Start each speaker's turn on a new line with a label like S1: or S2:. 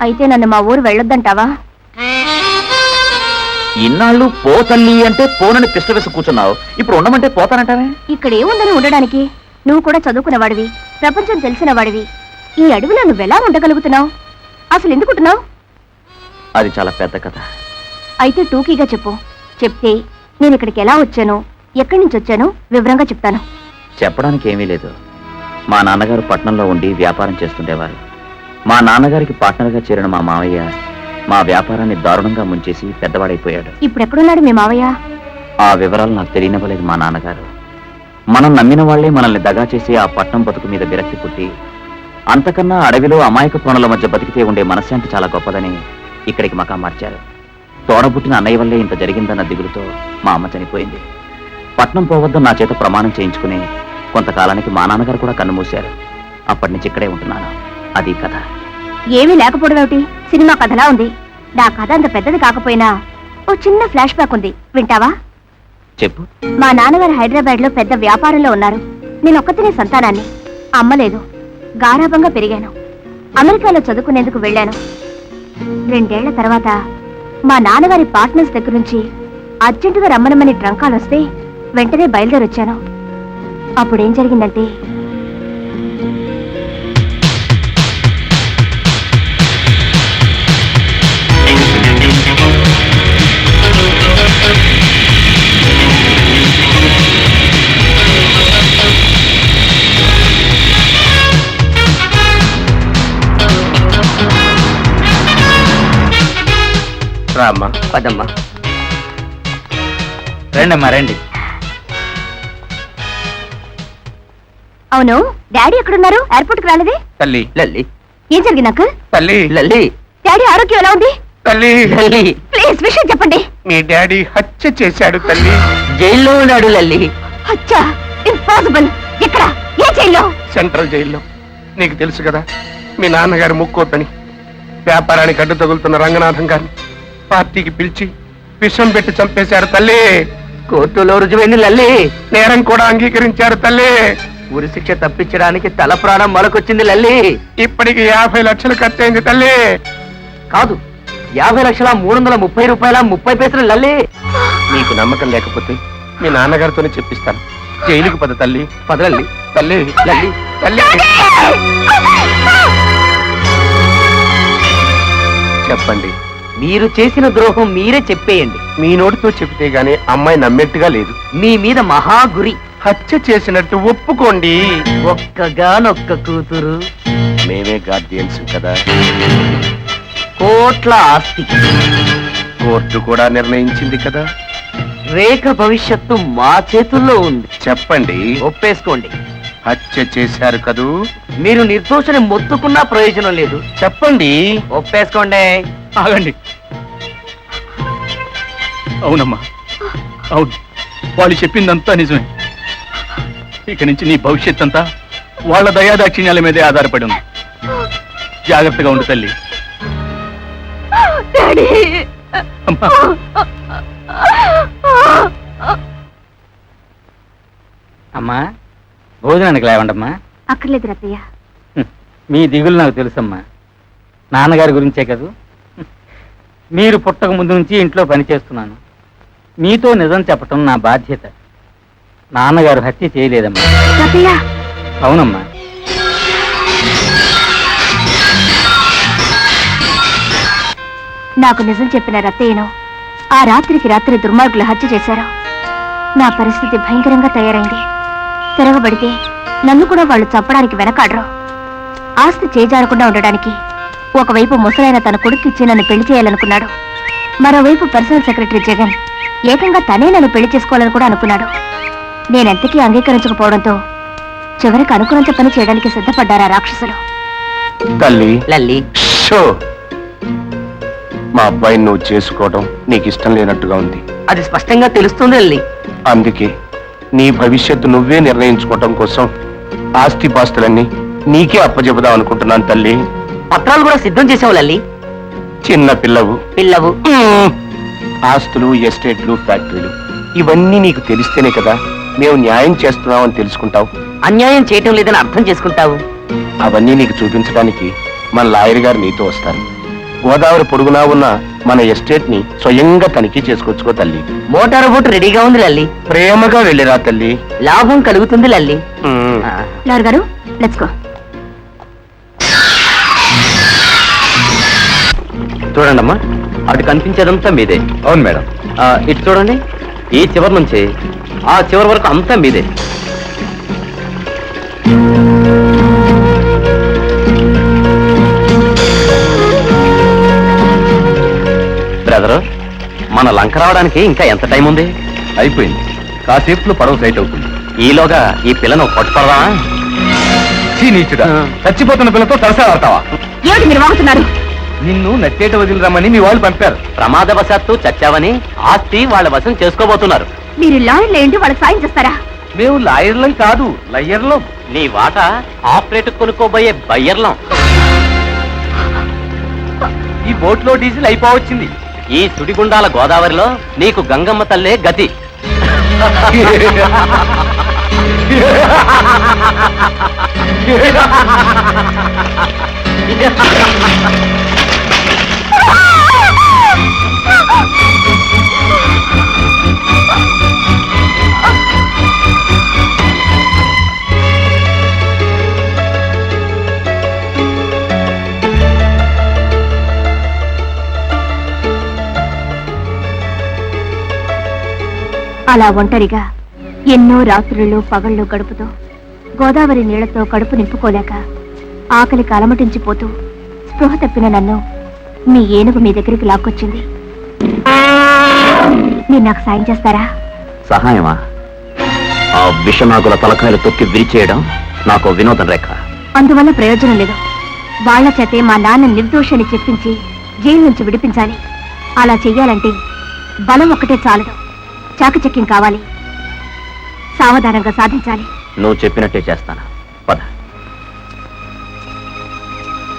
S1: అయితే నన్ను మా ఊరు వెళ్ళొద్దంటావా?
S2: ఇన్నాళ్ళు పోతల్లి అంటే పోనని పిష్ట వేసి కూర్చున్నావు, ఇప్పుడు ఉండమంటే పోతానంటావే?
S1: ఇక్కడ ఏముందని ఉండడానికి? నువ్వు కూడా చదువుకున్నవాడివి, ప్రపంచం తెలిసిన వాడివి. ఈ అడవిలో నువ్వెలా ఉండగలుగుతున్నావు? అసలు ఎందుకుంటున్నావు?
S2: అది చాలా పెద్ద కథ.
S1: అయితే టూకీగా చెప్పు. చెప్తే నేను ఇక్కడికి ఎలా వచ్చానో, ఎక్కడి నుంచి వచ్చానో వివరంగా చెప్తాను.
S2: చెప్పడానికి ఏమీ లేదు. మా నాన్నగారు పట్నంలో ఉండి వ్యాపారం చేస్తుండేవారు. మా నాన్నగారికి పార్ట్నర్గా చేరిన మా మావయ్య మా వ్యాపారాన్ని దారుణంగా ముంచేసి పెద్దవాడైపోయాడు.
S1: ఇప్పుడు ఎక్కడున్నాడు మీ మావయ్య?
S2: ఆ వివరాలు నాకు తెలియనివ్వలేదు మా నాన్నగారు. మనం నమ్మిన వాళ్లే మనల్ని దగా చేసి ఆ పట్నం బతుకు మీద విరక్తి పుట్టి, అంతకన్నా అడవిలో అమాయక ప్రాణుల మధ్య బతికితే ఉండే మనశ్శాంతి చాలా గొప్పదని ఇక్కడికి మకా మార్చారు. తోడబుట్టిన అన్నయ్య వల్లే ఇంత జరిగిందన్న దిగులుతో మా అమ్మ చనిపోయింది. పట్నం పోవద్దని నా చేత ప్రమాణం చేయించుకుని కొంతకాలానికి మా నాన్నగారు కూడా కన్నుమూశారు. అప్పటి నుంచి ఇక్కడే ఉంటున్నాను. అది కథ.
S1: ఏమీ లేకపోవడం ఏమిటి? సినిమా కథలా ఉంది. నా కథ అంత పెద్దది కాకపోయినా ఓ చిన్న ఫ్లాష్ బ్యాక్ ఉంది, వింటావా?
S2: చెప్పు.
S1: మా నాన్నగారు హైదరాబాద్ లో పెద్ద వ్యాపారంలో ఉన్నారు. నేను ఒక్కతినే సంతానాన్ని. అమ్మ లేదు. గారాబంగా పెరిగాను. అమెరికాలో చదువుకునేందుకు వెళ్ళాను. 2 ఏళ్ల తర్వాత మా నాన్నగారి పార్ట్నర్స్ దగ్గర నుంచి అర్జెంటుగా రమ్మనమని ట్రంకాలు వస్తే వెంటనే బయలుదేరొచ్చాను. అప్పుడేం జరిగిందంటే,
S2: రామ్మా, పదమ్మా. రండమ్మా, రండి.
S1: అవును, డాడీ ఎక్కడున్నారు? ఎయిర్పోర్ట్ కి రాలేదే?
S2: తల్లి లల్లి.
S1: ఏం జరిగింది నాకు?
S2: తల్లి లల్లి.
S1: డాడీ ఆరోగ్యం ఎలా ఉంది?
S3: తల్లి
S2: లల్లి,
S1: ప్లీజ్ విషయం చెప్పండి.
S3: మీ డాడీ హత్య చేశాడు తల్లి.
S2: జైల్లో ఉన్నాడు లల్లి.
S1: అచ్చా, ఇంపాసిబుల్. ఎక్కడ? ఏ జైల్లో?
S3: సెంట్రల్ జైల్లో. నీకు తెలుసు కదా, మీ నాన్నగారు ముక్కోతని వ్యాపారానికి అడ్డు తగులుతున్న రంగనాథం గారిని పార్టీకి పిలిచి విషం పెట్టి చంపేశారు తల్లి.
S2: కోర్టులో రుజువైంది లల్లి.
S3: నేరం కూడా అంగీకరించారు తల్లి.
S2: ఉరి శిక్ష తప్పించడానికి తల ప్రాణం మొలకొచ్చింది లల్లి.
S3: ఇప్పటికి 50 లక్షలు ఖర్చయింది తల్లి.
S2: కాదు, 50 లక్షల 330 రూపాయల 30 పైసలు లల్లి.
S3: నీకు నమ్మకం లేకపోతే మీ నాన్నగారితోనే చెప్పిస్తాను. జైలుకి పద తల్లి.
S2: పదలల్లి.
S3: తల్లి
S2: లల్లి,
S3: తల్లి. చెప్పండి.
S2: మీరు చేసిన ద్రోహం మీరే చెప్పేయండి.
S3: మీ నోటితో చెబితే గానీ అమ్మాయి నమ్మేట్టుగా లేదు.
S2: మీ మీద మహాగురి.
S3: హత్య చేసినట్టు ఒప్పుకోండి.
S2: ఒక్కగానొక్క కూతురు.
S3: మేమే గార్డియన్స్ కదా.
S2: కోట్ల ఆస్తి.
S3: కోర్టు కూడా నిర్ణయించింది కదా.
S2: రేఖ భవిష్యత్తు మా చేతుల్లో ఉంది.
S3: చెప్పండి.
S2: ఒప్పేసుకోండి.
S3: హత్య చేశారు కదూ.
S2: మీరు నిర్దోషని మొత్తుకున్నా ప్రయోజనం లేదు.
S3: చెప్పండి.
S2: ఒప్పేసుకోండి.
S4: ఆగండి. అవునమ్మా, అవును, వాళ్ళు చెప్పిందంతా నిజమే. ఇక నుంచి నీ భవిష్యత్ అంతా వాళ్ళ దయాదాక్షిణ్యాల మీదే ఆధారపడి ఉంది. జాగ్రత్తగా ఉండు తల్లి. అమ్మా,
S2: అమ్మా, భోజనానికి లేవండమ్మా.
S1: అక్కర్లేదు రత్తయ్య.
S2: మీ దిగులు నాకు తెలుసమ్మా. నాన్నగారి గురించే కదూ. మీరు పుట్టక ముందు నుంచి ఇంట్లో పనిచేస్తున్నాను. మీతో నిజం చెప్పటం నా బాధ్యత. నాన్నగారు హత్య చేయలేదమ్మా.
S1: రత్తయ్య,
S2: అవునమ్మా.
S1: నాకు నిజం చెప్పిన రత్తయ్యను ఆ రాత్రికి రాత్రి దుర్మార్గులు హత్య చేశారు. నా పరిస్థితి భయంకరంగా తయారైంది. తిరగబడితే నన్ను కూడా వాళ్ళు చంపడానికి వెనకాడరు. ఆస్తి చేజారకుండా ఉండడానికి ఒకవైపు ముసలైన తన కొడుకిచ్చి నన్ను పెళ్లి చేయాలనుకున్నాడు. మరోవైపు పర్సనల్ సెక్రటరీ జగన్ ఏకంగా తనే నన్ను పెళ్లి చేసుకోవాలని కూడా అనుకున్నాడు. నేనెంతకీ అంగీకరించకపోవడంతో చివరికి అనుకున్నంత పని చేయడానికి సిద్ధపడ్డారా రాక్షసులు.
S3: తల్లి
S2: లల్లి,
S3: షో. మా అబ్బాయిని నువ్వు చేసుకోవడం నీకు ఇష్టం లేనట్టుగా ఉంది.
S2: అది స్పష్టంగా తెలుస్తుంది లల్లి.
S3: అందుకే నీ భవిష్యత్తు నువ్వే నిర్ణయించుకోవటం కోసం ఆస్తిపాస్తులన్నీ నీకే అప్పచెబుదాం అనుకుంటున్నాను తల్లి.
S2: పత్రాలు కూడా సిద్ధం చేసావు లల్లి.
S3: చిన్న పిల్లవు. ఆస్తులు, ఎస్టేట్లు, ఫ్యాక్టరీలు ఇవన్నీ నీకు తెలిస్తేనే కదా మేము న్యాయం చేస్తున్నామని తెలుసుకుంటావు.
S2: అన్యాయం చేయటం లేదని అర్థం చేసుకుంటావు.
S3: అవన్నీ నీకు చూపించడానికి మన లాయర్ గారు నీతో వస్తారు. గోదావరి పొడుగునా ఉన్న మన ఎస్టేట్ ని స్వయంగా తనిఖీ చేసుకొచ్చుకో తల్లి.
S5: మోటార్ బోట్ రెడీగా ఉంది లల్లి.
S3: ప్రేమగా వెళ్ళిరా తల్లి.
S5: లాభం కలుగుతుంది లల్లి.
S1: లాయర్ గారు లెట్స్ గో.
S2: చూడండమ్మా, అటు కనిపించేదంతా మీదే.
S3: అవును మేడం.
S2: ఇటు చూడండి, ఈ చివరి నుంచి ఆ చివరి వరకు అంతా మీదే. బ్రదరు, మన లంక రావడానికి ఇంకా ఎంత టైం ఉంది?
S3: అయిపోయింది, కాసేపులో పడవ సైట్ అవుతుంది.
S2: ఈలోగా ఈ పిల్లను పట్టుపడదామా?
S3: నీచుడా, చచ్చిపోతున్న పిల్లతో తలసా ఆడతావా?
S1: ఏమిటి మీరు వాగుతున్నారు?
S3: నిన్ను నచ్చేట వదిలి రమ్మని మీ వాళ్ళు పంపారు.
S2: ప్రమాదవశాత్తు చచ్చావని ఆస్తి వాళ్ళ వశం చేసుకోబోతున్నారు.
S1: మీరు లాయర్లు ఏంటి వాళ్ళకి సాయం చేస్తారా?
S3: మేము లాయర్లం కాదు, లయ్యర్లం.
S2: నీ వాటా ఆపరేట్ కొనుక్కోబోయే బయ్యర్లం.
S3: ఈ బోట్లో డీజిల్ అయిపోవచ్చింది.
S2: ఈ సుడిగుండాల గోదావరిలో నీకు గంగమ్మ తల్లే గతి.
S1: అలా ఒంటరిగా ఎన్నో రాత్రులు పగళ్ళు గడుపుతూ గోదావరి నీళ్లతో కడుపు నింపుకోలేక ఆకలికి అలమటించిపోతూ స్పృహ తప్పిన నన్ను మీ ఏనుగు మీ దగ్గరికి లాక్కొచ్చింది. మీరు నాకు సాయం చేస్తారా?
S2: సహాయమా? ఆ విషనాగుల తలకాయలు తొక్కి విరిచేయడం నాకు వినోదం రేఖ.
S1: అందువల్ల ప్రయోజనం లేదు. వాళ్ల చేతే మా నాన్న నిర్దోషాన్ని చెప్పించి జైలు నుంచి విడిపించాలి. అలా చెయ్యాలంటే బలం ఒక్కటే చాలదు, చాకచక్యం కావాలి. సావధానంగా సాధించాలి.
S2: నువ్వు చెప్పినట్టే చేస్తాను.